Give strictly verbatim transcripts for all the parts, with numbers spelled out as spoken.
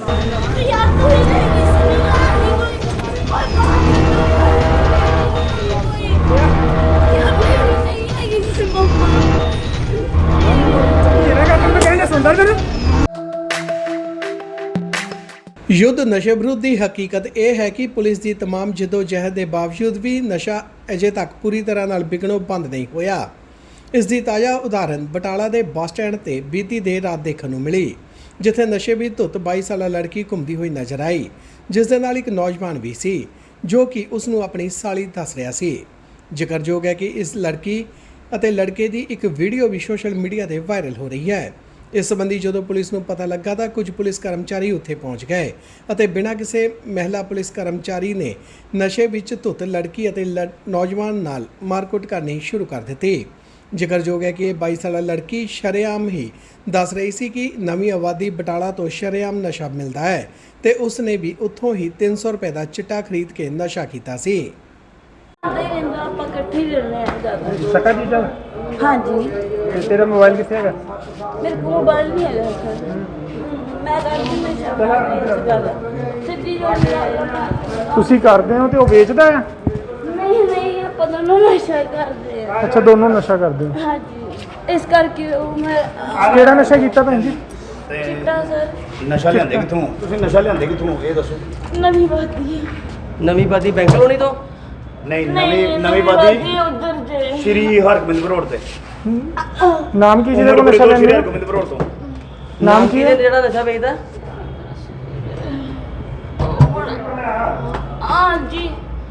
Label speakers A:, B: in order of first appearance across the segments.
A: यार तू ही लेगी सुनीला आगे कोई कोई बात नहीं यार लेडी नहीं आएगी कोई मम्मा
B: तेरा का तुम कहने सुनता कर
C: युद्ध नशे विरुद्ध की हकीकत यह है कि पुलिस की तमाम जदोजहद के बावजूद भी नशा अजे तक पूरी तरह नाल विकणों बंद नहीं होया। इसकी ताज़ा उदाहरण बटाला के बस स्टैंड से बीती देर रात देखने को मिली, जिथे नशे भी धुत बाई साल लड़की घूमती हुई नज़र आई, जिस दे नाल एक नौजवान भी सी जो कि उसनों अपनी साली दस रहा सी। जिक्रयोग है कि इस लड़की अते लड़के की एक वीडियो भी सोशल मीडिया पर वायरल हो रही है। इस संबंधी जो पुलिस को पता लगा तो कुछ पुलिस कर्मचारी उत्थे पहुँच गए और बिना किसी महिला पुलिस कर्मचारी ने नशे विच धुत लड़की और लड़ नौजवान नाल मारकुट करनी शुरू कर दी। जिक्रयोग है कि बाई साल लड़की शरेआम ही दस रही सी कि नवी आबादी बटाला तो शरेआम नशा मिलता है तो उसने भी उत्थों ही तीन सौ रुपए का चिट्टा खरीद के नशा किया सी।
B: सका जी चल
A: हाँ जी
B: ते तेरा मोबाइल किथे है?
A: मेरे को मोबाइल नहीं है सर मैं करती मैं शाबाश सिद्धि जो
B: ਤੁਸੀਂ ਕਰਦੇ ਹੋ ਤੇ ਉਹ ਵੇਚਦਾ ਆ?
A: नहीं नहीं ਆਪਾਂ ਦੋਨੋਂ ਨਸ਼ਾ ਕਰਦੇ ਆ।
B: ਅੱਛਾ ਦੋਨੋਂ ਨਸ਼ਾ ਕਰਦੇ ਹੋ।
A: हाँ जी इस करके वो मैं
B: ਕਿਹੜਾ ਨਸ਼ਾ ਕੀਤਾ ਭੈਣ ਜੀ?
A: चिट्टा सर
D: ਨਸ਼ਾ ਲਿਆਂਦੇ ਕਿੱਥੋਂ? ਤੁਸੀਂ ਨਸ਼ਾ ਲਿਆਂਦੇ ਕਿੱਥੋਂ ਇਹ ਦੱਸੋ।
A: नवी बाती
E: ਨਵੀਂ ਬਾਦੀ ਬੈਂਕ ਕਲੋਨੀ ਤੋਂ
D: ਨਹੀਂ ਨਵੀਂ ਨਵੀਂ ਬਾਦੀ
A: उधर जे
D: ਸ਼੍ਰੀ ਹਰਗੋਬਿੰਦ ਰੋਡ ਤੇ।
B: ਨਾਮ ਕੀ ਜਿਹਦੇ ਕੋਲ ਨਸ਼ਾ
D: ਸ਼੍ਰੀ
B: ਲੈਂਦੇ ਹੋ?
D: ਹਰਗੋਬਿੰਦ ਰੋਡ ਤੋਂ।
B: ਨਾਮ ਕੀ ਹੈ?
E: ਜਿਹੜਾ ਨਸ਼ਾ ਵੇਚਦਾ
A: हाँ जी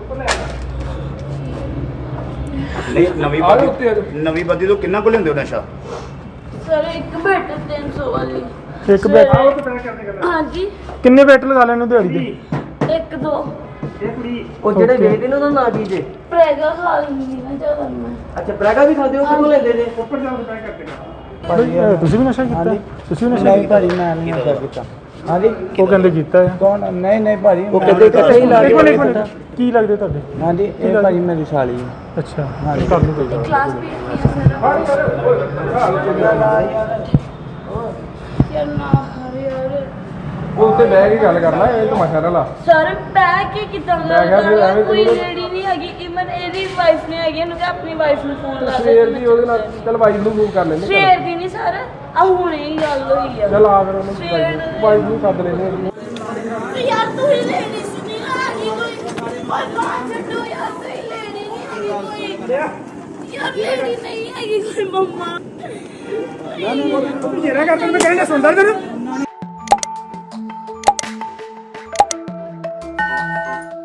D: ਨਹੀਂ ਨਵੀਂ ਬਾਦੀ ਨਵੀਂ ਬਾਦੀ ਤੋਂ ਕਿੰਨਾ ਕੁ ਲੈਂਦੇ ਹੋ ਨਸ਼ਾ?
A: सर एक बेटे तीन सौ वाली
B: ਇੱਕ ਬੈਟ
A: हाँ जी
B: ਕਿੰਨੇ ਬੈਟ ਲਗਾ ਲੈਣੇ ਹੋ ਦਿਹਾੜੀ ਦੇ?
A: एक दो
E: ਉਹ ਜਿਹੜੇ
B: Okay.
E: ਵੇਚਦੇ ਨੇ ਉਹਦਾ ਨਾਂ ਕੀ ਜੇ?
A: प्रेगा खा लेंगी ना ज्यादा मैं
E: ਅੱਛਾ ਬ੍ਰੈਗਾ ਵੀ ਖਾਦੇ ਹੋ ਕਿਉਂ ਲੈਂਦੇ ਜੇ?
B: ਬਈ, ਤੁਸੀਂ ਵੀ ਨਸ਼ਾ ਕੀਤਾ? ਤੁਸੀਂ ਵੀ ਨਸ਼ਾ
F: ਨਹੀਂ
B: ਕੀਤਾ?
F: ਭਾਜੀ ਮੈਂ ਨਹੀਂ ਨਸ਼ਾ ਕੀਤਾ। ਹਾਂਜੀ
B: ਉਹ ਕਹਿੰਦੇ ਕੀਤਾ ਹੈ।
F: ਕੌਣ? ਨਹੀਂ ਨਹੀਂ ਭਾਜੀ
E: ਉਹ
F: ਮੈਂ-
E: ਕਹਿੰਦੇ ਇਕੱਠੇ ਹੀ ਲਾ
B: ਇੱਕ
E: ਕੇ
B: ਮਿੰਟ, ਇੱਕ ਮਿੰਟ, ਕੀ ਲੱਗਦੇ ਤੁਹਾਡੇ?
F: ਹਾਂਜੀ ਇਹ ਭਾਜੀ ਮੇਰੀ ਸਾਲੀ ਹੈ।
B: ਅੱਛਾ
F: ਹਾਂਜੀ।
B: ਕਰ ਲਓ ਕੋਈ ਗੱਲ।
A: क्लास भी यार ना हरे यार
B: ਉਹ ਉੱਤੇ ਬਹਿ ਕੇ ਗੱਲ ਕਰਨਾ, ਇਹ ਤਮਾਸ਼ਾ ਨਾ ਲਾ।
A: सर बैग की कितना
B: मैं क्या फिर एवं
A: कोई
B: करूँ?
A: लेडी नहीं हैगी इवन एदी वाइफ नहीं हैगी इन्होंने अपनी वाइफ ਨੂੰ ਫੋਨ ਲਾ
B: ਸਵੇਰ ਦੀ ਉਹਦੇ ਨਾਲ ਚੱਲ ਵਾਈਫ ਨੂੰ ਮੂਵ ਕਰ ਲੈਂਦੇ।
A: ਸਵੇਰ ਦੀ ਨਹੀਂ ਸਰ ਆ ਹੁਣੇ ਹੀ ਗੱਲ ਹੋਈ ਆ
B: ਚੱਲ ਆ ਫਿਰ ਉਹਨੂੰ ਵਾਈਫ ਨੂੰ ਸੱਦ ਲੈਂਦੇ ਹਾਂ।
A: यार तू ही लेडी सुनी आगे कोई कोई बात छड्डो यार तू ही लेडी नहीं हैगी कोई यार लेडी नहीं हैगी कोई मम्मा
B: ਜਿਹੜਾ ਕਰ ਤੁਮ ਕਹਿੰਦੇ ਸੁਣਦਾ ਕਰ।